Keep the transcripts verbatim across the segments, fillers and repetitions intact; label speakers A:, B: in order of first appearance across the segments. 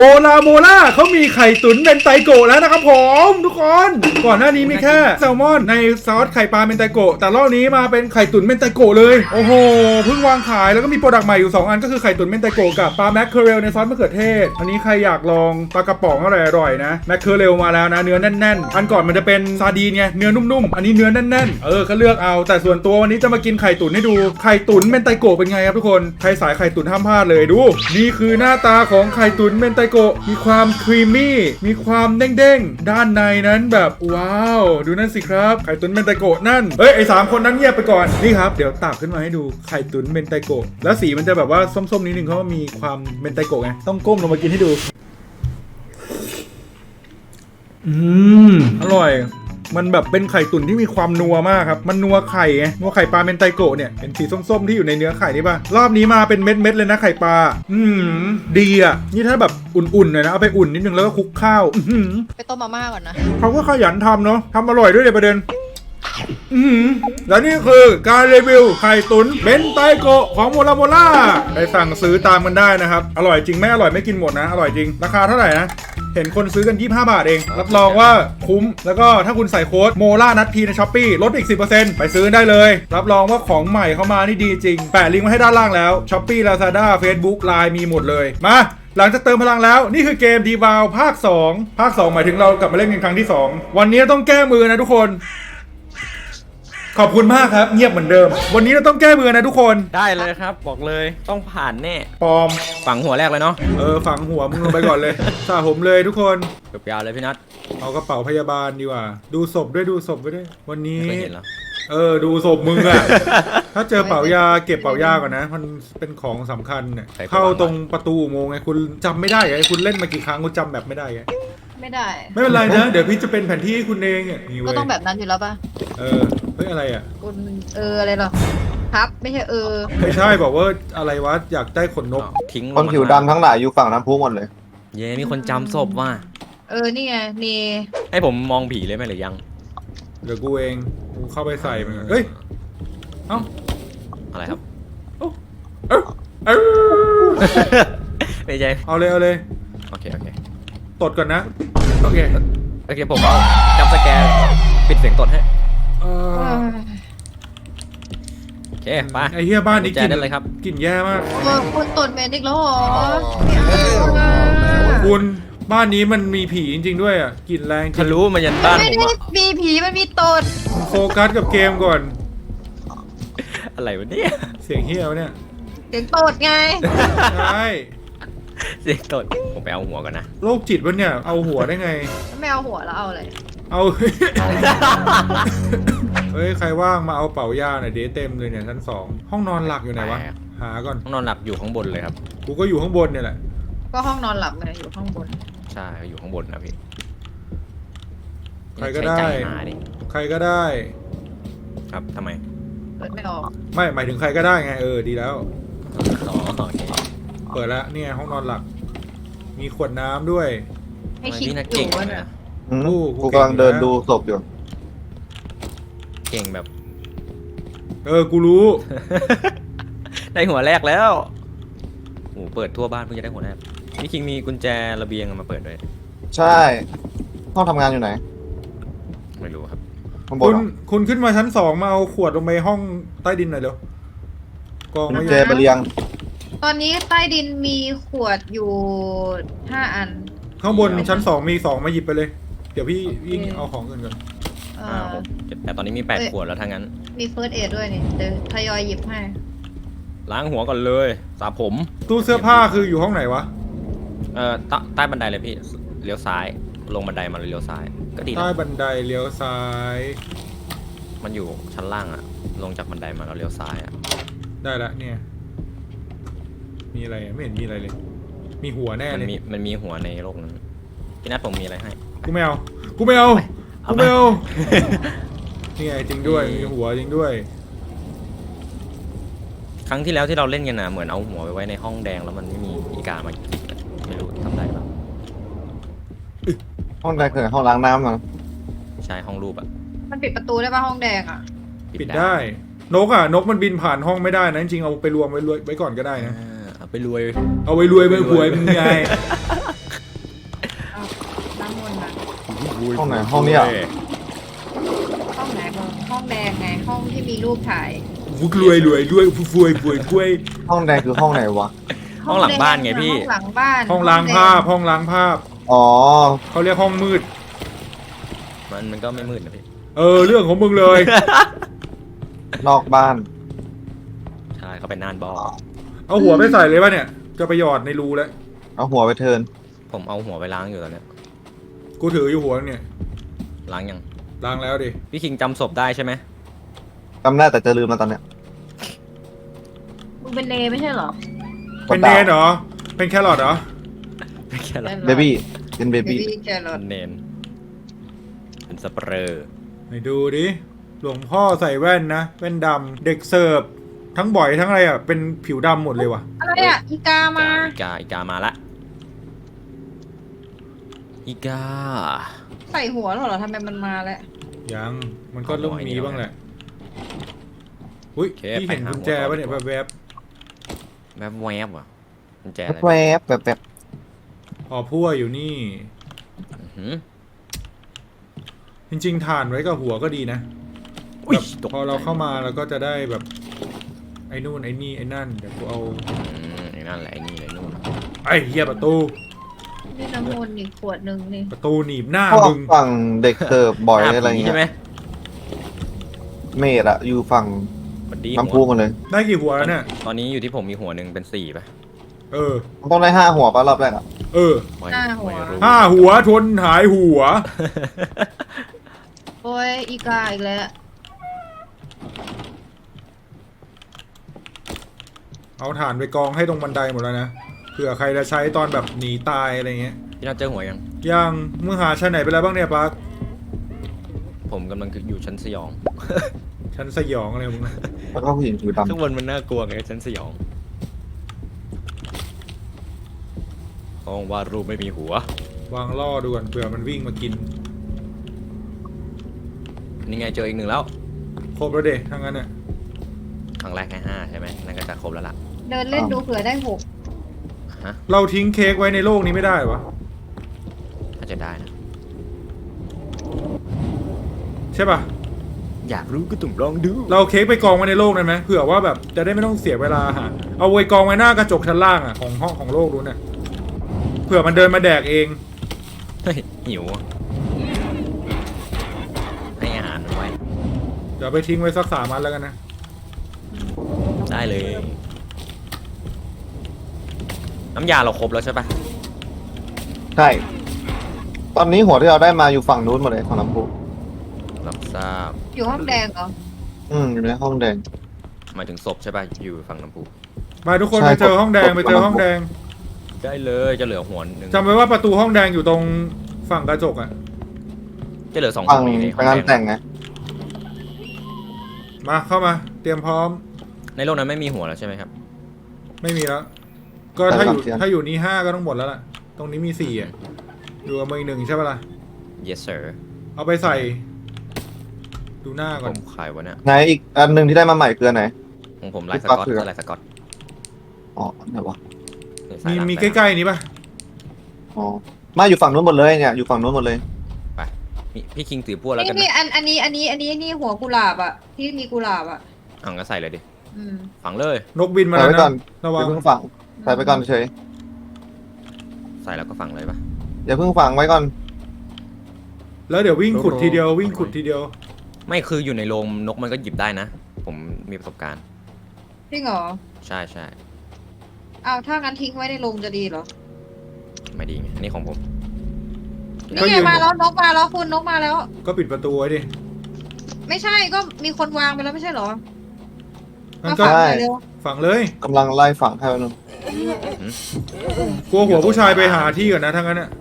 A: โอลาโมล่าเขามีไข่ตุ๋นเมนไตโกะแล้วนะครับผมทุกคนก่อนหน้านี้มีแค่แซลมอนในซอสไข่ปลาเมนไตโกะแต่รอบนี้มาเป็นไข่ตุ๋นเมนไตโกะเลยโอ้โหเพิ่งวางขายแล้วก็มีโปรดักต์ใหม่อยู่สองอันก็คือไข่ตุ๋นเมนไตโกะกับปลาแมคเคอเรลในซอสมะเขือเทศอันนี้ใครอยากลองปลากระป๋องอร่อยๆนะแมคเคอเรลมาแล้วนะเนื้อแน่นๆอันก่อนมันจะเป็นซาดีนไงเนื้อนุ่มๆอันนี้เนื้อแน่นๆเออก็เลือกเอาแต่ส่วนตัววันนี้จะมากินไข่ตุ๋นให้ดูไข่ตุ๋นเมนไตโกะเป็นไงครับทุกคนใครสายไข่ตุ๋นห้ามพลาดเลยดูนี่คือหน้าตาของไข่ตุ๋นเมนไตโกะมีความครีมมี่มีความเด้งๆด้านในนั้นแบบว้าวดูนั่นสิครับไข่ตุ๋นเมนไตโกะนั่นเฮ้ยไอสามคนนั้นเงียบไปก่อนนี่ครับเดี๋ยวตักขึ้นมาให้ดูไข่ตุ๋นเมนไตโกะแล้วสีมันจะแบบว่าส้มๆนิดนึงเพราะว่ามีความเมนไตโกะไงต้องก้มลงมากินให้ดูอืมอร่อยมันแบบเป็นไข่ตุ๋นที่มีความนัวมากครับมันนัวไข่ไงนัวไข่ปลาเมนไตโกะเนี่ยเป็นสีส้มๆที่อยู่ในเนื้อไข่นี่ป่ะรอบนี้มาเป็นเม็ดๆเลยนะไข่ปลาอืมดีอ่ะนี่ถ้าแบบอุ่นๆหน่อยนะเอาไปอุ่นนิดนึงแล้วก็คลุกข้าวอืม
B: ไปต้มมาม่าก่อนนะ
A: เขาก็ขยันทำเนาะทำอร่อยด้วยเลยประเด็นอืมแล้วนี่คือการรีวิวไข่ตุ๋นเมนไตโกะของโมราโมล่าไปสั่งซื้อตามกันได้นะครับอร่อยจริงไม่อร่อยไม่กินหมดนะอร่อยจริงราคาเท่าไหร่นะเห็นคนซื้อกันยี่สิบห้าบาทเองรับรองว่าคุ้มแล้วก็ถ้าคุณใส่โค้ดโมล่านัทพีในช้อปปี้ลดอีก สิบเปอร์เซ็นต์ ไปซื้อได้เลยรับรองว่าของใหม่เข้ามานี่ดีจริงแปะลิงก์ไว้ให้ด้านล่างแล้วช้อปปี้ Lazada Facebook ไลน์ มีหมดเลยมาหลังจากเติมพลังแล้วนี่คือเกมดีวาวภาคสองภาคสองหมายถึงเรากลับมาเล่นกันครั้งที่สองวันนี้ต้องแก้มือนะทุกคนขอบคุณมากครับเงียบเหมือนเดิมวันนี้เราต้องแก้มือนะทุกคน
C: ได้เลยครับบอกเลยต้องผ่านแน่
A: ปลอม
C: ฝังหัวแรกเลยเนาะ
A: เออฝังหัวมึงลงไปก่อนเลยสาผมเลยทุกคน
C: เกือบยาวเลยพี่นัท
A: เอากระเป๋าพยาบาลดีกว่าดูศพด้วยดูศพไปด้วยวันนี้
C: ไม่เคยเห็นเหรอ
A: เออดูศพมึงอะ ถ้าเจอเป๋ายาเก็บเป๋ายาก่อนนะมันเป็นของสำคัญเนี่ยเข้าตรงประตูอุโมงค์ไงคุณจำไม่ได้ไงคุณเล่นมากี่ครั้งคุณจำแบบไม่ได้ไง
B: ไม่ได้
A: ไม่เป็นไรนะเดี๋ยวพี่จะเป็นแผนที่ให้คุณเองอ่ะนี่เว้ย
B: ก็ต้องแบบนั้นอยู่แล้วป่ะ
A: เออเฮ้ยอะไรอ่ะ
B: คุณเอออะไรหรอครับไม่ใช่เออ
A: ไม่ใช่บอกว่าอะไรวะอยากได้ขนนก
C: ทิ้ง
D: คนผิวดำทั้งหลายอยู่ฝั่งน้ำพุหมดเลย
C: เย้มีคนจำศพว่ะ
B: เออนี่ไงนี่
C: ให้ผมมองผีเลยไหมหรือยัง
A: เดี๋ยวกูเองกูเข้าไปใส่มันก่อนเฮ้ยเอ้า
C: อะไรครับ
A: เอ้าเอ้าเอ้า
C: ไม่ใช่
A: เอาเลยเอาเลย
C: โอเคโอเค
A: ตดก่อนนะโอเค
C: โอเคผมเอาจำสแกนปิดเสียงตดให้
A: เอ
B: เอ
A: อ
B: อ
C: โอเคไป
A: ไอเฮียบ้านนี้
C: กุญแจ
A: กลิ่น
C: ได้เลยครับ
A: กลิ่นแย่มาก
B: เออคุณตดเมนอีกแล้วเหรอไม่เอาอะ
A: คุณบ้านนี้มันมีผีจริงๆด้วยอ่ะกลิ่นแรงจริ
C: ทะ
A: ง
C: ลุมายันบ้าน
B: ไม่
C: ผม
B: ได้
C: อะ
B: มีผีมันมีตด
A: โฟกัสกับเกมก่อน
C: อะไรวะเนี่ย
A: เสียงเฮียวะเนี่ย
B: เสียงตดไง
A: ใช่
C: เสียงตดผมไปเอาหัวก่อนนะ
A: โรคจิตวะเนี่ยเอาหัวได้ไง
B: ไม่เอาหัวแล้วเอาอะไร
A: เอา เฮ้ย ใครว่างมาเอาเป๋ายาหน่อยเดี๋ยวเต็มเลยเนี่ยชั้นสองห้องนอนหลักอยู่ไหนวะ หาก่อน
C: ห้องนอนหลับอยู่ข้างบนเลยครับ
A: กูก็อยู่ข้างบนเนี่ยแหละ
B: ก็ห้องนอนหลับไงอยู่ข้างบน
C: ใช่อยู่ข้างบนนะพี่
A: ใครก็ได้
C: ใช้ใจหาดิ
A: ใครก็ได้
C: ครับทำไม
B: เปิดไม่ออก
A: ไม่หมายถึงใครก็ได้ไงเออดีแล้ว
C: อ๋อโอเค
A: เปิดแล้วเนี่ยห้องนอนหลัก มีขวดน้ำด้วย
B: ให้คิด
C: พี่นัท
B: อ
C: เก่ง
B: ยู่ว่า
C: นะ
B: เนี่ย
D: อืม
A: โอ้กู
D: กู
A: เก่ง
D: กำลังเดิน
A: อยู่แล้ว
D: ดูศพอยู่
C: เก่งแบบ
A: เออกูรู้
C: ได้หัวแรกแล้วโอ้เปิดทั่วบ้านเพิ่งจะได้หัวแรกพี่คิงมีกุญแจระเบียงเอามาเปิดด้วย
D: ใช่ ห้องทำงานอยู่ไหน
C: ไม่รู้ครับ
D: ข้างบ
A: คุ
D: น
A: ณ
D: เหรอ
A: คุณขึ้นมาชั้นสองมาเอาขวดลงไปห้องใต้ดินหน่อยเร็วกอง
D: กุ
A: ไม่
D: ญ
A: อ
D: แจ
A: ยู่
D: ไปเรียง
B: ตอนนี้ใต้ดินมีขวดอยู่ห้าอัน
A: ข้างบนชั้นสองมีสองมาหยิบไปเลย เดี๋ยวพี่วิ่ง
B: โอเค
A: เอาของกันก่อน
B: เอ
C: ห้า
B: อ
C: หกเจ็ดแปดตอนนี้มีแปดขวดแล้วทั้งนั้น
B: มีเฟิร์สเอดด้วยนี่เดี๋ยวทยอยหยิบให้
C: ล้างหัวก่อนเลยสระผม
A: ตู้เสื้อผ้าคืออยู่ห้องไหนวะ
C: เอ่อใต้ใต้บันไดเลยพี่เลี้ยวซ้ายลงบันไดมาเลยเลี้ยวซ้ายก็ดี
A: ใต้
C: นะ
A: บันไดเลี้ยวซ้าย
C: มันอยู่ชั้นล่างอะลงจากบันไดมาแล้วเลี้ยวซ้ายอะ
A: ได้ละเนี่ย มีอะไรอะไม่เห็นมีอะไรเลย มีหัวแน่
C: มัน
A: เลย
C: มีมันมีหัวในโลกนั้นพี่นัทผมมีอะไรให้
A: กูไม่เอา กูไม่เอา
C: เอา
A: กู
C: ไป
A: ไม่เอา นี่ไงจริงด้วย มีหัวจริงด้วย
C: ครั้งที่แล้วที่เราเล่นกันนะเหมือนเอาหัวไปไว้ในห้องแดงแล้วมันไม่มีอีกามากินอะไม่รู้ทำได้ปะ
D: ห้องใดคือห้องล้างน้ำมั้ง
C: ใช่ห้องรูปอะ
B: มันปิดประตูได้ป่ะห้องแดงอ่ะ
A: ปิดได้ นกอ่ะ นกมันบินผ่านห้องไม่ได้นะ จริงๆเอาไปรวมไว้รวยไว้ก่อนก็ได้นะ
C: อ่าเอาไปรวย
A: เอาไว้รวยไปหวยมึงไง
D: ห้องนี้เหรอ
B: ห้องไหนมึงห้องแดงไงห้องที่มีรูปถ่าย
A: ฟุกรวยรวยรวยฟุฟวยฟวยฟวย
D: ห้องแดงคือห้องไหนวะ
C: ห้องหลังบ้านไงพี่
B: ห้องหลังบ้าน
A: ห้องล้างภาพห้องล้างภาพ
D: อ๋อ
A: เขาเรียกห้องมืด
C: มันมันก็ไม่มืดนะพี่
A: เออเรื่องของมึงเลย
D: นอกบ้าน
C: ใช่เขาเป็นน่านบอ
A: เอาหัวไปใส่เลยป่ะเนี่ยจะไปหยอดในรูแล้ว
D: เอาหัวไปเทิร์น
C: ผมเอาหัวไปล้างอยู่ตอนเนี้ย
A: กูถืออยู่หัวเนี่ย
C: ล้างยัง
A: ล้างแล้วดิ
C: พี่คิงจำศพได้ใช่ไหม
D: จำได้แต่จะลืมมาตอนเนี้ย
B: มึงเป็นเลไม่ใช่เหรอ
A: เป็นเนนเหรอเป็นแครอทเหรอ
C: ไม่แค่ละ
D: เบบี้เป็นเบ
B: เบ
D: บี้
B: บี้แครอท
C: เนนเป็นสเปรย์
A: ไหนดูดิหลวงพ่อใส่แว่นนะแว่นดำเด็กเสิร์ฟทั้งบ่อยทั้งอะไรอ่ะเป็นผิวดำหมดเลยว่ะ
B: อะไรอ่ะอีกามา
C: อีกาอีกามาละอีกา
B: ใส่หัวแล้วเหรอทำไมมันมาแล้ว
A: ยังมันก็ต้องมีบ้างแหละอุ้ยพี่เห็นกุญแจป่ะเนี่ยแวบ
C: แวบแวบอ่ะกุญแจอะไร
D: แวบแบบแบบ
A: ๆพอพั่วอยู่นี่
C: อื้อหือ
A: จริงๆถ่านไว้กับหัวก็ดีนะ
C: อุ้ย
A: แบบ
C: ตก
A: พอเราเข้ามาเราก็จะได้แบบไอ้นู่นไอ้นี่ไอ้นั่นเดี๋ยวกูเอา
C: อืมไอ้นั่นแหละไอ้นี่เลยนู่น
A: ไอ้เหี้ยประตู
B: นี่น้ำมนต์อีกขวดหนึ่งนี่
A: ประตูหนีบหน้า
D: พวก
A: มึง
D: ฝั่งเด็กเสิร์ฟบ่อย
C: หน้า
D: อะไร
C: ผี
D: เงี้
C: ใช่ไหม
D: ยเมดอะอยู่ฝั่ง
C: บัดดี้
D: น้ำพุ
C: หัว
D: กันเลย
A: ได้กี่หัวแล้วเนี่ย
C: ตอนนี้อยู่ที่ผมมีหัวหนึ่งเป็นสี่ป่ะ
A: เออ
D: มันต้องได้ห้าหัวป่ะรอบแรกอะ
A: เออ
C: ไม่
B: ห้าหัว
C: ไม่รู้
A: ห้าหัวทนหายหัว
B: โอ้ยอีกาอีกแล้ว
A: เอาถ่านไปกองให้ตรงบันไดหมดแล้วนะเผื่อใครจะใช้ตอนแบบหนีตายอะไรเงี้ย
C: พี่น่าเจอหัวยัง
A: ยังมึงหาชั้นไหนไปแล้วบ้างเนี่ยปาร์ค
C: ผมกำลังอยู่ชั้นสยอง
A: ชั้นสยองอะไรของมึงนะ
D: แล้วก็ผู้หญิงผิวดำ
C: ข้างบนมันน่ากลัวไงชั้นสยองห้องวาดรูปไม่มีหัว
A: วางล่อดูก่อนเผื่อมันวิ่งมากิน
C: นี่ไงเจออีกหนึ่งแล้ว
A: ครบแล้วเด็ทั้งนั้นเนี่ย
C: ครั้งแรกแค่ห้าใช่ไหมนั่นก็จะครบแล้วล่ะ
B: เดินเล่นดูเผื่อได้หก
C: ฮะ
A: เราทิ้งเค้กไว้ในโลกนี้ไม่ได้วะ
C: ถ้าจะได้นะ
A: ใช่ปะ
C: อยากรู้ก็ต้องลองดู
A: เราเอาเค้กไปกองไว้ในโลกนั้นไหมเผื่อว่าแบบจะได้ไม่ต้องเสียเวลาหาเอาไว้กองไว้หน้ากระจกชั้นล่างอ่ะของห้องของโลกนู้นน่ะเผื่อมันเดินมาแดกเอง
C: เฮ้ยหิวอะให้อาหารมันไว้
A: เดี๋ยวไปทิ้งไว้สักสามอันแล้วกันนะ
C: ได้เลย น้ำยาเราครบแล้วใช่ปะ
D: ใช่ ตอนนี้หัวที่เราได้มาอยู่ฝั่งนู้นหมดเลยของน้ำพุ
C: รับทราบ
B: อยู่ห้องแดงเหรอ
D: อืมอยู่ในห้องแดง
C: หมายถึงศพใช่ปะอยู่ฝั่งน้ำพุ
A: มาทุกคน
D: ใช่
A: ไปเจอห้องแดง
D: ผม
A: ไปเจอห้องแดง
C: ได้เลยจะเหลือหัวหนึ่ง
A: จำไว้ว่าประตูห้องแดงอยู่ตรงฝั่งกระจกอ่ะ
C: จะเหลือสอง
D: ฝั่ง
C: หัวอยู่ใน
D: ไป
C: ห้อง
D: งาน
C: แด
D: แต่
C: ง
D: งไง
A: มาเข้ามาเตรียมพร้อม
C: ในโลกนั้นไม่มีหัวแล้วใช่ไหมครับ
A: ไม่มีแล้ว ก็ถ้าอยู่ถ้าอยู่นี้ห้าก็ต้องหมดแล้วล่ะ ตรงนี้มีสี่อ่ะอยู่กับมืออีกหนึ่งใช่ปะล่ะ
C: yes sir
A: เอาไปใส่ ดูหน้าก่
C: ผ
A: อน
C: มขายวะเนี่ย
D: ไหนอีกอันหนึ่งที่ได้มาใหม่คืออันไหน
C: ของผมลายส
D: พี่ก๊อต
C: กอต
D: คือ
C: ลายสกอต
D: อ๋อไหนวะ
C: สา
A: มี
C: ยลับ
A: มี
C: สาย
A: ใก
C: ลับ
A: ล้ๆนี้ปะ
D: อ๋อมาอยู่ฝั่งนู้นหมดเลยเนี่ยอยู่ฝั่งนู้นหมดเลย
C: ไปมีพี่คิงถือพวกแล้วกัน
B: นี่นี่
C: นะ
B: อันอันนี้อันนี้อันนี้นี่หัวกุหลาบอ่ะที่มีกุหลาบอ่ะ
C: เอ่าก็ใส่เลยดิ
B: อืม
C: ฝังเลย
A: นกบินมา
D: ใส่
A: แล้ว
D: ไว้ก่อ
A: นะ
D: น
A: ระวั
D: อง ย่าเพิ่งฝังใส่ไปก่อนเฉย
C: ใส่แล้วก็ฝังเลยปะ
D: อย่าเพิ่งฝังไว้ก่อน
A: แล้วเดี๋ยววิ่งขุดทีเดียววิ่งขุดทีเดียว
C: ไม่คืออยู่ในโรงนกมันก็หยิบได้นะ ผมมีประสบการณ์
B: จริงเหรอ
C: ใช่ใช่
B: อ้าวถ้างั้นทิ้งไว้ในโรงจะดีเหรอ
C: ไม่ดีไงอันนี้ของผม
A: ก็
B: นี่
A: ยื
B: ไง
A: น
B: มาแล้วนกมาแล้วคุณนกมาแล้ว
A: ก็ปิดประตูไว้ดิ
B: ไม่ใช่ก็มีคนวางไปแล้วไม่ใช่เหรอ
A: งั้น
B: มา
A: ก็
B: ฝังหน่อยเร็ว
A: ฝังเลย
D: กำลังไล่ฝังให้นึง
A: กลัวหัวผู้ชายไปหาที่ก่อนนะทั้งนั้นอ่ะ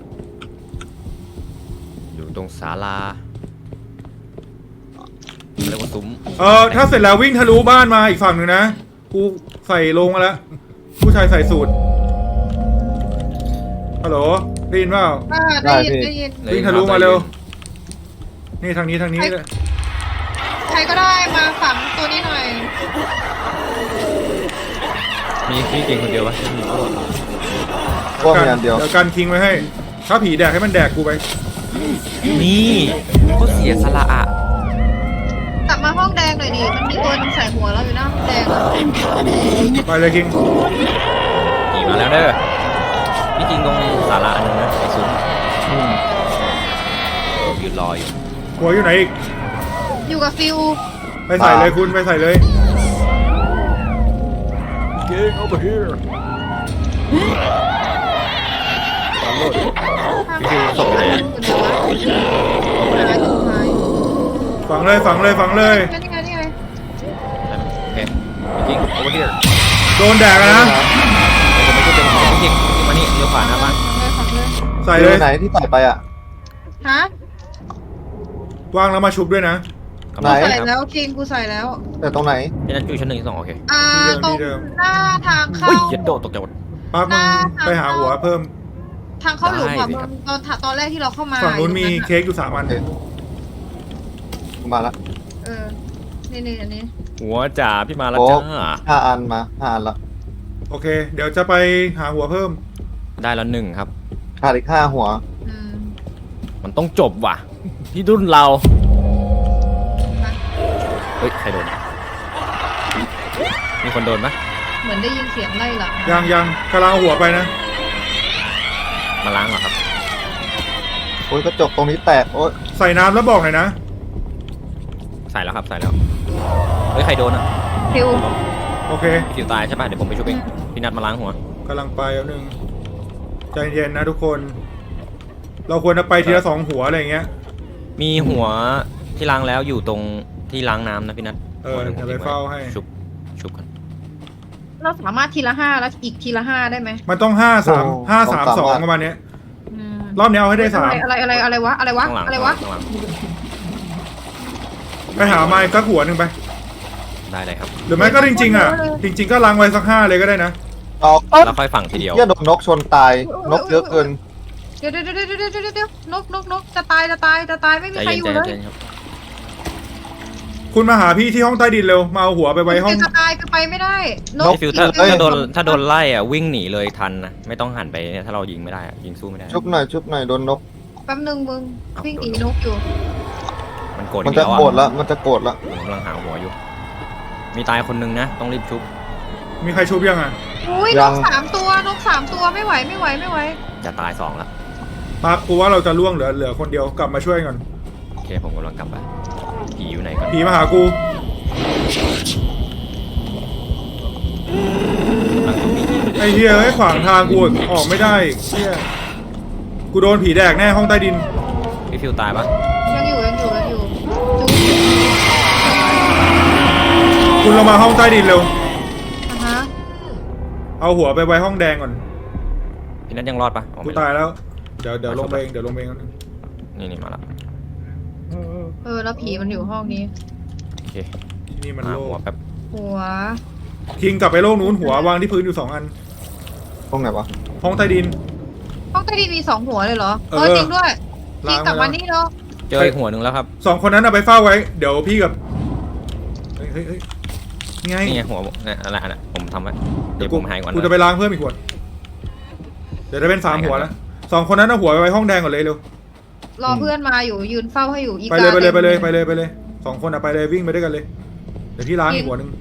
C: อยู่ตรงศาลาเรียกว่าซุ้ม
A: เออถ้าเสร็จแล้ววิ่งทะลุบ้านมาอีกฝั่งหนึ่งนะกูใส่ลงมาแล้ว ผู้ชายใส่สูตรฮัลโหลได้ยินเปล่า
B: อ่าได้ยินได้ยิน
A: วิ่งทะลุมาเร็ว นี่ทางนี้ทางนี้เลย
B: ใครก็ได้มาฝังตัวนี้หน่อย
C: มีพี่คิงคนเดียวปะมีพวก
D: พวกมีอันเดียว
A: เดี๋ยวกันคิงไว้ให้ ถ้าผีแดกให้มันแดกกูไป
C: นี่ก็เสียสละอะ
B: กลับมาห้องแดงหน่อยดิมันมีตัวนึงใส่หัวเราอยู่นะห้องแดงอะ
A: ไปเลยคิง
C: ขี่มาแล้วเด้อพี่จริงตรงศาลาอันนึงนะไอ้ซุ้ม
D: อืม
C: ยืนรออยู่
A: หัวอยู่ไหนอีก
B: อยู่กับฟิว
A: ไปใส่เลยคุณไปใส่เลย
C: Get over here
B: ข้าง
C: ส่งไหนอะ
B: อยู่ไหนวะหาย
A: ฝังเลยฝังเลยฝังเลย
B: นี่ไงนี่ไง
C: โอเคพี่จริง over here
A: โดนแดกอะนะ
C: ผมไม่ใช่เป็นของพี่จริงพี่มานี่เลี้ยวขวาหน้าบ้าน
B: ฝังเลย
A: ใส่
D: ใส่
A: เล
D: เลย ยไหนที่ใส่ไปอ่ะ
B: ฮะ
A: วางแล้วมาชุบด้วยนะ
D: ไหน
B: ใส่แล้วคิงกูใส่แล้ว
D: แต่ตรงไหน
C: พี่นั่นอยู่ชั้นหนึ่งชั้นสองโอเค
B: อ่า
A: ที่
B: ต
A: เดิ
B: ร
A: ม
B: งหน้าทางเข้า
C: เฮ้ยยัดโดดตกใจหมด
A: ปั๊บมึงไปหาหัวเพิ่ม
B: ทางเข้าหลุม
C: ได้
B: อะ
C: สิ
B: มึ
C: ครับ
B: งตอนตอนแรกที่เราเข้ามา
A: ฝั่งนู้นมี
B: อยู่
A: เค้กอยู่สามอัน
D: มาละ
B: เออนี่นี่อันนี้
C: หัวจ่าพี่มาแล้ว
D: โอ้
C: จ้า
D: ห้าอันมาห้าอันละ
A: โอเค เดี๋ยวจะไปหาหัวเพิ่ม
C: ได้แล้วหนึ่งครับ
D: ขาดอีกห้าหัว
B: อืม
C: มันต้องจบว่ะที่รุ่นเรา
B: มา
C: เฮ้ยใครโดนมีคนโดนปะ
B: เหมือนได้ยินเสียงไล่หลัง
A: ยังยังกำลังเอาหัวไปนะ
C: มาล้างเหรอครับ
D: โอ้ยกระจกตรงนี้แตกโอ้ย
A: ใส่น้ำแล้วบอกหน่อยนะ
C: ใส่แล้วครับใส่แล้วเฮ้ยใครโดนอ่ะ
B: ฟิว
A: โอเค
C: พี่จิ๋วตายใช่ป่ะเดี๋ยวผมไปช่วยเองพี่นัดมาล้างหัว
A: กำลังไปแล้วหนึ่งใจเย็นนะทุกคน เราควรจะไปทีละสองหัวอะไรอย่างเงี้ย
C: มีหัวที่ล้างแล้วอยู่ตรงที่ล้างน้ำนะพี่นัท
A: เออ
C: หัวหนึ่งผม
A: เดี๋ยวไป
C: ทิ้งว้
A: เฝ้าให้
C: ชุบชุบกัน
B: เราสามารถทีละห้าแล้วอีกทีละห้าได้ไหม
A: มันต้องห้าสามห้าสามสองประมาณเนี้ย
B: อืม
A: รอบนี้เอาให้ได้สาม
B: อะไรอะไรอะไรวะอะไรวะ
C: ข้างหลัง
B: อะไรวะ
C: ข้างหลัง
A: ไปหาไม้สักหัวหนึ่งไป
C: ได้เลยครับ
A: หรือไม่ก็จริงๆอ่ะ จริง ๆ ก็ล้างไว้สักห้าเลยก็ได้นะ
D: เอา
C: แล้วค่อยฝังทีเดียว
D: เหี้ยโดนนกชนตายนกเยอะเกิน
B: เดี๋ยวเดี๋ยวเดี๋ยวเดี๋ยวเดี๋ยวเดี๋ยวนกนกนกจะตายจะตายจะตายไม่มี
C: ใจ
B: ใคร
C: เย็น
B: อยู่
C: ใจ
B: เลย
C: เย็นครับ
A: คุณมาหาพี่ที่ห้องใต้ดินเร็ว มาเอาหัวไปไว้ห้อง
B: จะตายก็ไปไม่ได้น
D: น
B: ก
D: ก
C: พี่ฟิวถ้า
D: เอ้ย
C: ถ้าโดนถ้าโดนไล่อ่ะวิ่งหนีเลยทันนะไม่ต้องหันไปเนี่ยถ้าเรายิงไม่ได้อะยิงสู้ไม่ได้
D: ชุบหน่อยชุบหน่อยโดนนก
B: แป๊บนึงมึง
C: เอา
B: วิ่งหนี
C: โดน
B: นกอยู่
C: มันโกรธ
D: มัน
C: อีก
D: จะ
C: แล้ว
D: โกรธ
C: อ่ะ
D: ละมันจะโกรธละ
C: ผมกำลังหาหัวอยู่ มีตายคนนึงนะต้องรีบชุบ
A: มีใครชุบยังอ่ะ
B: อุ้ยนกสามตัวนกสามตัวไม่ไหวไม่ไหวไม่ไหว
C: จะตายสองละ
A: ปั๊บกูว่าเราจะล่วงเหลือเหลือคนเดียวกลับมาช่วยก่อน
C: โอเคผมกำลังกลับไปผีอยู่ไหนก่อน
A: ผีมาหากู
C: กำลังต้องมีผี
A: ไอ้เฮียไอ้ยขวางทางกูอีกออกไม่ได้เฮียกูโดนผีแดกแน่ห้องใต้ดิน
C: พี่ฟิวตายปะ
B: ยังอยู่ยังอยู่ยังอยู่จุ๊บ
A: คุณลงมาห้องใต้ดินเร็ว
B: อ่ะฮะ
A: เอาหัวไปไว้ห้องแดงก่อน
C: พี่นัทยังรอดปะอ๋อ
A: กู
C: ไม่รอ
A: ตา
C: ด
A: ยแล้ว เดี๋ยวเดี๋ยวลงไปเองเดี๋ยวลงไปเองก่อน
C: นี่นี่มาละ
B: เออแล้วผีมันอยู่ห้องนี้
C: โอเค
A: ที่นี่มัน
C: หา
A: โล่
C: หัว
A: ง
C: แป๊บ
B: หัว
A: คิงกลับไปโล่งนู้นหัววางที่พื้นอยู่สองอัน
D: ตรงไหนวะ
A: ห้องใต้ดิน
B: ห้องใต้ดินมีสองหัวเลยเหรอ
A: เอ
B: เอ
A: อ
B: อจริงด้วย
A: ล้า
B: พี่
A: ง
B: กลับ
A: ไปแล้ว
B: มานี่เนาะ
C: เจออีกหัวหนึ่งแล้วครับ
A: สองคนนั้นเอาไปเฝ้าไว้ เดี๋ยวพี่กับเฮ้ยเฮ้ยเฮ้ยไง
C: นี่ไงหัวเนี่ยอะไรอันน่ะผมทำไว้เดี๋ยว
A: กู
C: ผมหายก่อน
A: กู
C: นะ
A: จะไปล้างเพิ่มอีกขวดเดี๋ยวจะเป็นสามหัวแล้วสองคนนั้นเอาหัวไปไว้ห้องแดงก่อนเลยเร็ว
B: รอเพื่อนมาอยู่ยืนเฝ้าให้อยู่อี
A: ไป
B: กา
A: เลยไปเลย
B: ต็ม
A: ไปเลยไปเลยไปเลยสองคนอะไปเลยวิ่งไปด้วยกันเลย เดี๋ยวพี่ล้างอีกหัวหนึ่ง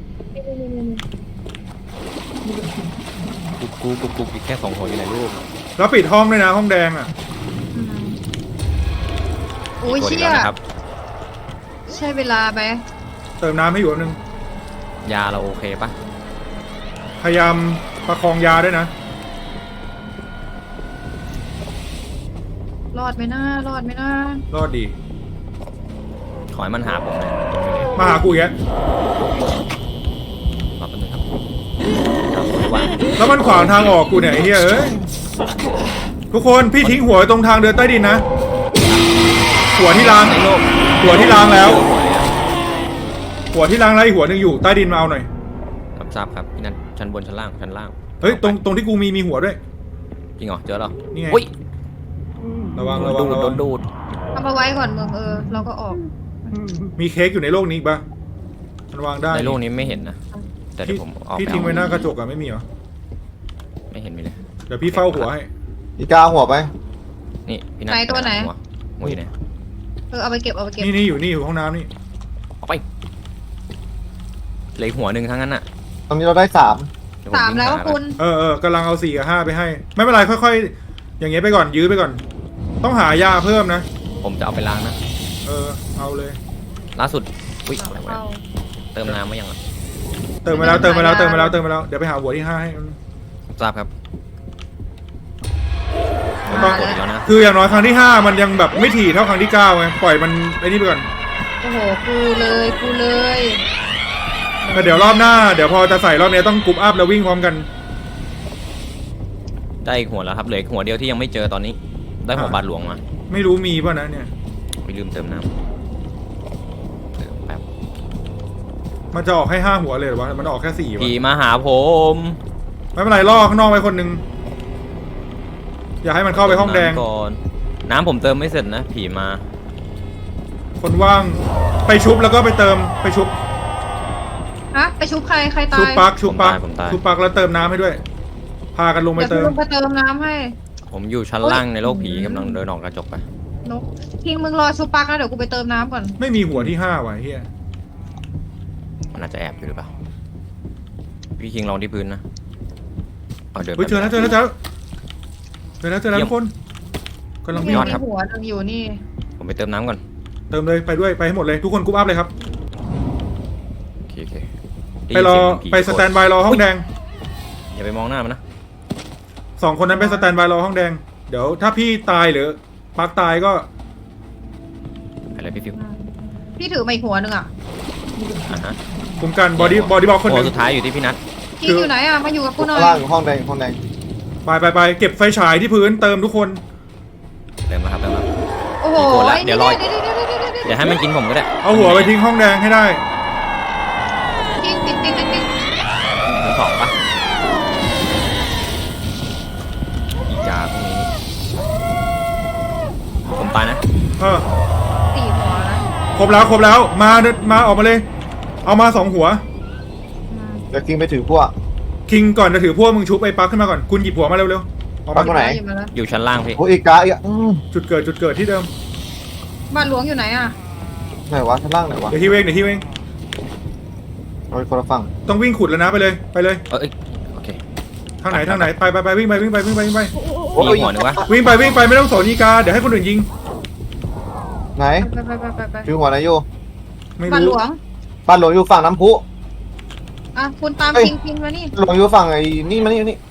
C: กุ๊กกุ๊กกุ๊กกุ๊กอีกแค่สองหัวอยู่ไหนลูก
A: แล้วปิดห้องด้วยนะห้องแดงอะ
B: อืมโอ้ย
C: ตัว
B: เชี่
C: เดี
B: ย
C: ยวนะครับ
B: ใช่เวลาไหม
A: เติมน้ำให้อยู่แป๊บนึง
C: ยาเราโอเคปะ
A: พยายามประคองยาด้วยนะ
B: รอดไหมนะรอดไหมนะ
A: รอดดี
C: ขอให้มันหาผมหน่อย
A: มาหากูอีกแล้ว
C: รอแป๊บนึงครับเอาไว้วาง
A: แล้วมันขวางทางออกกูเนี่ยไอ้เหี้ยเอ้ยทุกคนพี่ทิ้งหัวไว้ตรงทางเดินใต้ดินนะ หัวที่ล้าง
C: ในโลก
A: หัวที่ล้างแล้ว หัวที่ล้างแล้วอีกหัวหนึ่งอยู่ใต้ดินมาเอาหน่อย
C: รับทราบครับพี่นัทชั้นบนชั้นล่างชั้นล่าง
A: เฮ้ยตรงตรงที่กูมีมีหัวด้วย
C: จริงเหรอเจอแล้ว
A: นี่ไง
C: อุ้ย
A: ระวัง
C: โด
A: ระ
C: น
A: วัง
C: ดูด
A: ระ
C: โด
A: วัง
C: นดูด
B: เอามาไว้ก่อนมึงเออเราก็ออก
A: มีเค้กอยู่ในโลกนี้อีกปะมันวางได้
C: ในโลกนี้ไม่เห็นนะแต่เดี๋ยวผมออก
A: พี่
C: ไป
A: ทิ้งไว้ห
C: เอา
A: น้ากระจกอะไม่มีเหรอ
C: ไม่เห็นมีเลย
A: เดี๋ยวพี่เฝ้าหัวให้
D: อีกาหัวไป
C: นี่พี่นัท
B: ไหนตัวไหน
C: หัหัวอยู่ไหน
B: เออเอาไปเก็บเอาไปเก็บ
A: นี่นี่อยู่นี่อยู่ห้องน้ำนี่
C: ออกไปเหลืออกหัวหนึ่งทั้งนั้นอ่ะ
D: ตอนนี้เราได้สาม
C: เดี๋ยผ
B: สาม
C: ง
B: แล้ว
C: หไป
B: คุณ
A: เออเออกำลังเอาสี่กับห้าไปให้ ไม่เป็นไรค่อยๆ อย่างเงี้ยไปก่อนยื้อไปก่อน ต้องหายาเพิ่มนะ
C: ผมจะเอาไปล้างนะ
A: เออเอาเลย
C: ล่าสุดอุ้ยอะไรวะ
B: เอา
C: เติมน้ำมายังอ่ะ
A: เติมมาแล้วเติมมาแล้วเติมมาแล้วเติมมาแล้วเดี๋ยวไปหาหัวที่ห้าให้
C: ทราบครับ
A: ต้
C: กดอีกแล้วนะ
A: คืออย่างน้อยครั้งที่ห้ามันยังแบบไม่ถี่เท่าครั้งที่เก้าไงปล่อยมันไอ้นี่ไปก่อน
B: โอ้โหกูเลยกูเลย
A: แต่เดี๋ยวรอบหน้าเดี๋ยวพอจะใส่รอบนี้ต้องกรุ๊ปอัพแล้ววิ่งพร้อมกัน
C: ได้อีกหัวแล้วครับเหลืออีกหัวเดียวที่ยังไม่เจอตอนนี้ ได้หัว
A: อ่า
C: บาทหลวงมา
A: ไม่รู้มีป่ะนะเนี่ย
C: ไม่ลืมเติมน้ำเติมแป๊บ
A: มันจะออกให้ห้าหัวเลยเหรอวะมันออกแค่สี่วะ
C: ผีมาหาผม
A: ไม่เป็นไรล่อข้างนอกไว้คนหนึ่งอย่าให้มันเข้าไปห้องแดง
C: เติมน้ำก่อนน้ำผมเติมไม่เสร็จนะผีมา
A: คนว่างไปชุบแล้วก็ไปเติมไปชุบ
B: ฮะไปชุบใครใครตา
A: ชุบ
B: ย
A: ปักชุบปัก
C: ผมตายผมตาย
A: ชุบปักแล้วเติมน้ำให้ด้วย พากันลงไป
B: เดี๋ยว
A: เติ
B: คุณ
A: ม
B: ลงไปเติมน้ำให้
C: ผมอยู่ชั้นล่างในโลกผีกำลังเดินออกกระจกไป
B: นกพิงมึงรอชุบปักนะเดี๋ยวกูไปเติมน้ำก่อน
A: ไม่มีหัวที่ห้าว่ะเฮีย
C: มันอาจจะแอบอยู่หรือเปล่าพี่คิงลองที่พื้นนะเอาเดิน
A: เฮ้ยเจอแล้วเจอแล้วเจอแล้วเจอแล้วเจอแล้วทุกคนกำลังวิ่ง
C: ยอดครับ
B: มีหัวหนึงอยู่นี่
C: ผมไปเติมน้ำก่อน
A: เติมเลยไปด้วยไปให้หมดเลยทุกคนกรุ๊ปอัพเลยครับ
C: โอเคโอเค
A: ไปรอไปสแตนบายรอห้องแดง
C: อย่าไปมองหน้ามันนะ
A: สองคนนั้นไปสแตนบายรอห้องแดงเดี๋ยวถ้าพี่ตายหรือปักตายก็
C: อะไรพี่ฟิว
B: พี่ถือมาอีกหัวหนึงอ่ะ
C: อ่ะฮะ
A: คุมกันบอดี้บอดี้บล็อกคนห
C: หัว
A: นึ่ง
C: สุดท้ายอยู่ที่พี่นัท
B: พิงอยู่ไหนอ่ะมาอยู่กับกูหน่อย
D: ข้างล่างห้องแดงห้องแดง
A: ไปไปไปเก็บไฟฉายที่พื้นเติมทุกคน
C: เติมมาครับเติมมา
B: โอ้โห
C: มีโกรธละเดี๋ยวรอ
B: เดี๋ยวเดี๋ยวเดี๋ยวเดี๋ยวเดี๋ยว
C: เดี๋ยวให้มันกินผมก็ได้
A: เอาหัวไปทิ้งห้องแดงให้ได้
B: พิงปิดปิดปิดปิด
C: ทั้งสองปะอีกาพวกนี้นี่ผมตายนะ
A: เออ
B: สี่หัวนะ
A: ครบแล้วครบแล้วมามาออกมาเลย เอามาสองหัว
B: อืม
D: เดี๋ยวคิงไปถือพวก
A: คิงก่อนจะถือพวกมึงชุบไอ้ปักขึ้นมาก่อนคุณหยิบหัวมาเร็วๆออก
D: ปั
A: มาก
D: ตรงไหน
B: ยิบมาแล้ว
C: อยู่ชั้นล่างพี่
D: โอ้อีกาอีกอืม
A: จุดเกิดจุดเกิดที่เดิม
B: บ้านหลวงอยู่ไหนอ่ะ
D: ไหนวะชั้นล่างไหนวะ
A: เดี๋ยวที่เวงเดี๋ยวที่เวง
D: เอาไปคนละฝั่ง
A: ต้องวิ่งขุดแล้วนะไปเลยไปเลย
C: เอ้ยโอเค
A: ทางไหนทางไหนไปไปไปวิ่งไปวิ่งไปวิ่งไปวิ่งไป
C: มีหัวหนึ่งวะ
A: วิ่งไปวิ่งไปไม่ต้องสนอีกาเดี๋ยวให้คนอื่นยิง
D: ไหน
B: ไปไปไปไปไป
D: ถือหัวไหนอยู่
A: ไม่
B: บ้านหล
A: รู้
B: วง
D: บ้านหลวงอยู่ฝั่งน้ำพุ
B: อ่ะคุณตาม
D: เอ้ย
B: พิงพิงมานี่
D: หลวงอยู่ฝั่งไอ้นี่มานี่นี่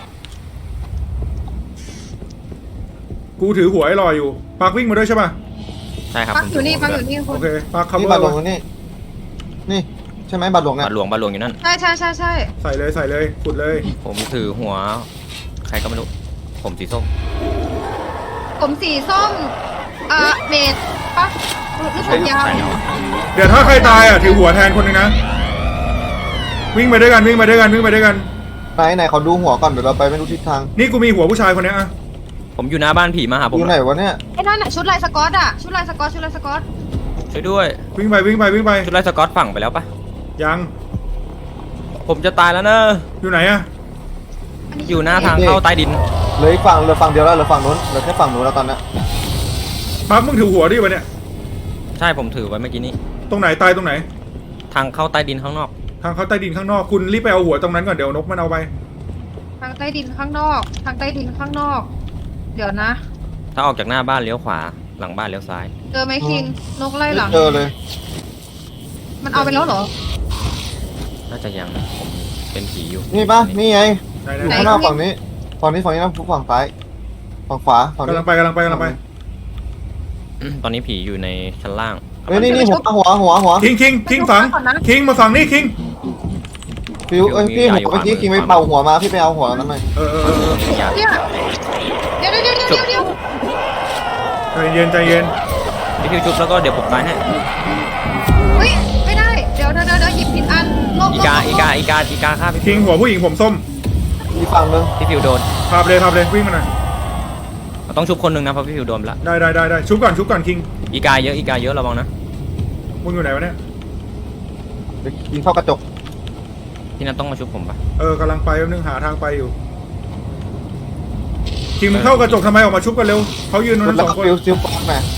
A: กูถือหัวไอ้ลอยอยู่ปักวิ่งมาด้วยใช่ป่ะ
C: ใช่ครับ
B: ปัก
C: ผม
B: อยู่นี่
C: ถื
B: ปัก
C: หัว
B: อยู่นี่คุ
A: โอ
B: ณ
A: เคปักคัฟ
D: นี่
A: เวอ
D: บ้าน
A: ร์
D: หลวงอยู่นี่นี่ใช่ไหมบ้านหลวงเนี่ย
C: บาทหลวงบาทหลวงอยู่นั่น
B: ใช่ใช่ใช่ใช่
A: ใส่เลยใส่เลยขุดเลย
C: ผมถือหัว ใครก็ไม่รู้ ผมสีส้ม
B: ผมสีส้มอ่าเมดปะหรือผมยาว
C: ใช่แล้ว
A: เดี๋ยวถ้าใครตายอ่ะถือหัวแทนคนหนึงนะวิ่งไปด้วยกันวิ่งไปด้วยกันวิ่งไปด้วยกัน
D: ไหนไหนขอดูหัวก่อนเดี๋ยวเราไปไม่รู้ทิศทาง
A: นี่กูมีหัวผู้ชายคนเนี้ยอ่ะ
C: ผมอยู่หน้าบ้านผีมาหาผม
D: อยู่ไหนวะเนี่ย
B: ไอ้นั่นอ่ะชุดลายสกอตอ่ะชุดลายสกอตชุดลายสกอต
C: ช่วยด้วย
A: วิ่งไปวิ่งไปวิ่งไป
C: ชุดไล่สกอตฝั่งไปแล้วปะ
A: ยัง
C: ผมจะตายแล้วเนอะ
A: อยู่ไหนอ่ะ
C: อยู่หน้าทางเข้าใต้ดิน
D: เหลืออีกฝั่งเหลือฝั่งเดียวแล้วเหลือฝั่งนู้นเหลือแค่ฝั่งนู้นแล้วตอนเนี้ย
A: ปักมึงถือหัวดิวะเนี่ย
C: ใช่ผมถือไว้เมื่อกี้นี้
A: ตรงไหนตายตรงไหน
C: ทางเข้าใต้ดินข้างนอก
A: ทางเขาใต้ดินข้างนอกคุณรีบไปเอาหัวตรงนั้นก่อนเดี๋ยวนกมันเอาไป
B: ทางใต้ดินข้างนอก ทางใต้ดินข้างนอก เดี๋ยวนะ
C: ถ้าออกจากหน้าบ้านเลี้ยวขวา หลังบ้านเลี้ยวซ้าย
B: เจอไหมคิงนกไล่หลัง
D: ไม่เจอเลย
B: มันเอาไปแล้วเหรอ
C: น่าจะยังนะผมเป็นผีอยู่
D: นี่ปะนี่ไง
A: ไหน
D: อยู่
A: ไหน
D: ข้างหน้าฝั่งนี้ฝั่งนี้ฝั่งนี้นะฝั่งซ้ายฝั่งขวาฝั่งนี้
A: กำลังไปกำลังไปกำลังไป
C: อืมตอนนี้ผีอยู่ในชั้นล่าง
D: เฮ้ยนี่นี่หัวหัวหัวหัว
A: คิงคิงคิงฝังคิงมาฝังนี่คิง
D: ฟิวเอ้ยพี่หัวเมื่อกี้คิงไปเป่าหัวมาพี่ไปเอาหัวนั้นมา
A: เออเออเออเออ
C: อย่า
B: เนี่ยเดี๋ยวเดี๋ยวเดี๋ยวเดี๋ยวเดี๋ยว
A: ใจเย็นใจเย็น
C: พี่พิวชุบแล้วก็เดี๋ยวผมตายให้
B: เฮ้ยไม่ได้ เดี๋ยวเดี๋ยวเดี๋ยวเดี๋ยวหยิบผิดอันลบ
C: อี
B: ลบ
C: กา
B: ลบ
C: อีกาอีกาอีกาฆ่าพี่
A: คิงหัวผู้หญิงผมส้ม
D: อีกฝั่งนึง
C: พี่พิวโดน
A: พาไปเลยพาไปเลยวิ่งมาหน่อย
C: เราต้องชุบคนหนึ่งนะเพราะพี่พิวโดนไปละ
A: ได้ได้ได้ได้ชุบก่อนชุบก่อนคิง
C: อีกาเยอะอีกาเยอะระวังนะ
A: มึงอยู่ไหนวะเนี่ย
D: เดี๋ยวยิงเข้ากระจก
C: พี่นัทต้องมาชุบผมปะ
A: เออกำลังไปแป๊บนึงหาทางไปอยู่คิงมึงเข้ากระจกทำไมออกมาชุบกันเร็วเขายืนตรง
D: แล้
A: นั้
D: วน
A: สองคน
D: ฟิวฟิวปอกมา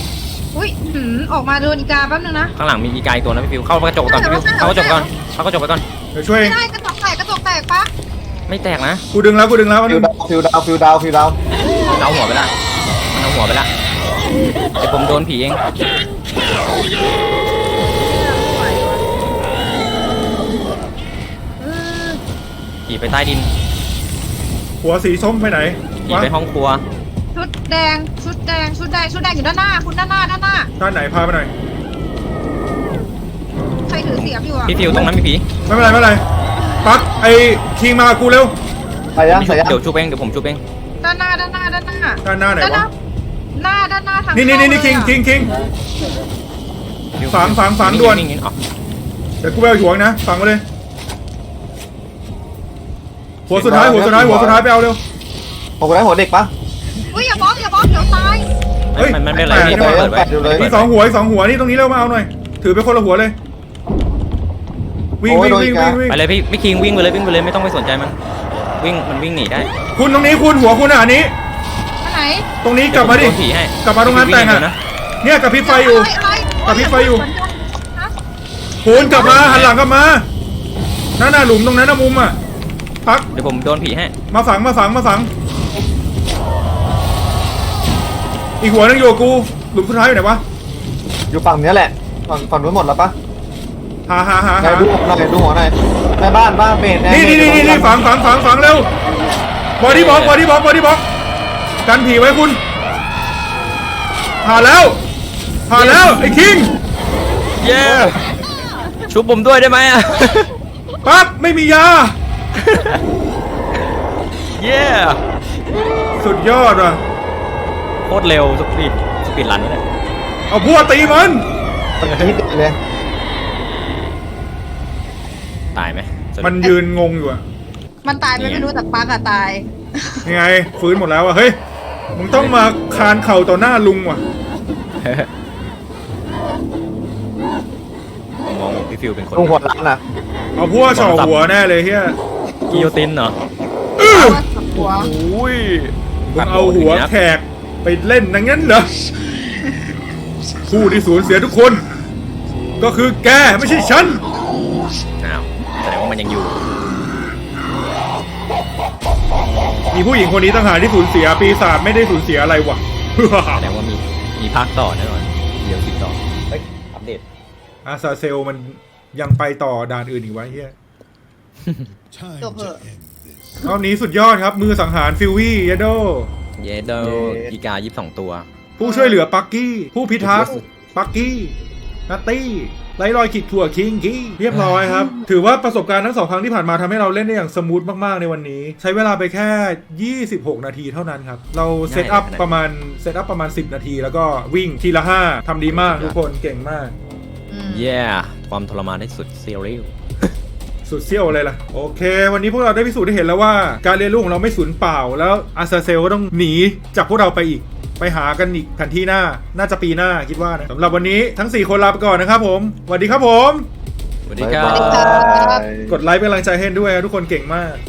B: อุ้ยหืมออกมาโดนอีกาแป๊บนึงนะ
C: ข้างหลังมีอีกาอีกตัวนะพี่ฟิวเข้ากระจกก่อนพี่ฟิวเข้ากระจกก่อนเข้ากระจกไปก่อน
A: เดี๋ยวช่วย
B: ไม่ได้กระจกแตกกระจกแตกปะ
C: ไม่แตกนะ
A: กูดึงแล้วกูดึงแล้วอัน
D: ฟิ
A: นึ
D: ว
A: ง
D: ดาวฟิวดาวฟิวดาวฟิวดาว
C: มันเอาหัวไปละมันเอาหัวไปละเดี๋ยวผมโดนผีเอง
B: เออ
C: ผีไปใต้ดิน
A: หัวสีส้มไปไหน
C: ผี
A: วะ
C: ไปห้องครัว
B: ชุดแดงชุดแดงชุดแดงชุดแดงอยู่ด้านหน้าคุณด้านหน้าด้านหน้า
A: ด้านไหนพาไปหน่อย
B: ใครถือเสียบอยู่อะ
C: พี่ฟิวตรงนั้นมีผี
A: ไม่เป็นไรไม่เป็นไรปักไอ้คิงมากับกูเร็ว
D: ไปยัง
C: พี่
D: ไป
C: ชุบ
D: ยัง
C: เดี๋ยวชุบเองเดี๋ยวผมชุบเอง
B: ด้านหน้าด้านหน้าด้านหน้า
A: ด้านหน้าไหน
B: ด้านหน้าว
A: ะ
B: หน้าด้านหน้าทาง
A: นี่นี่นี่นี่คิง
B: เข้า
A: คิงคิง
C: ฟิว
A: ฝังฝังฝังด่วน
C: งๆๆอ๋อ
A: เดี๋ยวกูไปเอาหัวนะฝังมาเลย หัวสุดท้ายหัวสุดท้ายหัวสุดท้ายไปเอาเร็ว
D: ผมได้หัวเด็กปะ
B: อุ้ยอย่าบล็อกอย่าบล็อกเดี๋ยวตาย
A: เฮ้ย
C: มันมันไม่เป็นไร
A: แปลก
C: พี่
A: นี่หว่า
C: เปิดไว้
D: แปดอยู่เลย
A: มีสองหัวอีกสองหัวนี่ตรงนี้เร็วมาเอาหน่อย ถือไปคนละหัวเลย วิ่งวิ่งวิ่งวิ่งวิ่ง
C: ไปเลยพี่พี่คิงวิ่งไปเลยวิ่งไปเลยไม่ต้องไปสนใจมันวิ่งมันวิ่งหนีได้
A: คุณตรงนี้คุณหัวคุณอ่ะอันนี้
B: อันไหน
A: ตรงนี้กลับมาดิ
C: เยวผโนผีให้
A: กลับมาตรงงานแต่ง
C: วิ่
A: อ่ะ
C: เดี๋ยวนะ
A: เนี่ยกับพริบไฟอยู่
B: ะไรอะไร
A: กระพริบไฟอยู่
B: เหมืนกันฮะ
A: คุณกลับมาหันหลังกลับมานั่นน่ะหลุมตรงนั้นนะมุมอ่ะพัก
C: เดี๋ยวผมโดนผีให้
A: มาฝังมาฝังมาฝัง อีกหัวนึงอยู่กับกู หลุมสุดท้ายอยู่ไหนวะ
D: อยู่ฝั่งเนี้ยแหละฝั่งฝั่งนู้นหมดแล้วปะ
A: หาหาหา
D: ไหน
A: หา
D: ดูหัวหน่อยดูหัวหน่อยในบ้านบ้านเบส
A: นี่นี่นี่นี่ฝังฝังฝังฝังเร็วบอดี้บล็อกบอดี้บล็อกบอดี้บล็อกกันผีไว้คุณผ่านแล้วผ่านแล้วไอ้คิง
C: เย้ชุบผมด้วยได้ไหมอ่ะ
A: ปั๊บไม่มียา
C: เย้
A: สุดยอดว่ะ
C: โคตรเร็วสปีดสปีดรันนี่แหละ
A: เอาพวกตีมัน
D: นิดเดียวเลย
C: ตายไหม
A: มันยืนงงอยู่อะ
B: มันตายไปไม่รู้แต่ปักอะตาย
A: ยังไงฟื้นหมดแล้วอะเฮ้ยมึงต้องมาคานเข่าต่อหน้าลุงว่ะ
C: ผมมองพี่ฟิวเป็นคน
D: ดูหัวหลังนะ
A: เอาพวกเฉาหัวแน่เลยเฮีย
C: กิโยตินเหรอ
B: เอาว่าสับหัว
C: อุ้ย
A: มึงเอาหัวแขกไปเล่นอย่างนั้นเหรอผู้ที่สูญเสียทุกคน ก็คือแกไม่ใช่ฉัน
C: อ้าวแสดงว่ามันยังอยู่
A: มีผู้หญิงคนนี้ต่างหากที่สูญเสียปีศาจไม่ได้สูญเสียอะไรวะ
C: แสดงว่ามีมีภาคต่อแน่นอนเดี๋ยวติดต่อเฮ้ยอัปเดต
A: อาซาเซลมันยังไปต่อด่านอื่นอีกไวะเฮีย
B: จบเหอะ
A: รอบนี้สุดยอดครับ มือสังหารฟิววี่เยโด
C: เยเดลอีกายี่สิบสองตัว
A: ผู้ช่วยเหลือปักกี้ ผู้พิทักษ์ปักกี้นัตตี้ไร้รอยขีดข่วคิงกี้เรียบร้อยครับ ถือว่าประสบการณ์ทั้งสองครั้งที่ผ่านมาทำให้เราเล่นได้อย่างสมูทมากๆในวันนี้ ใช้เวลาไปแค่ ยี่สิบหก นาทีเท่านั้นครับ เราเซตอัพประมาณเซตอัพประมาณ สิบ นาที แล้วก็วิ่งทีละ ห้าทำดีมากทุกคนเก่งมาก
B: อืม
C: เย้ความทรมานได้สุดเซีรีล
A: สุดเซี่ยวเลยล่ะ โอเค วันนี้พวกเราได้พิสูจน์ได้เห็นแล้วว่าการเรียนรู้ของเราไม่สูญเปล่า แล้วอาซาเซลก็ต้องหนีจากพวกเราไปอีก ไปหากันอีกแผนที่หน้าน่าจะปีหน้าคิดว่านะสำหรับวันนี้ทั้งสี่คนลาไปก่อนนะครับผมสวัสดีครับผม
C: สวัสดีครับ
D: บ๊ายบาย
A: กดไลค์เป็นกำลังใจให้ด้วยนะทุกคนเก่งมาก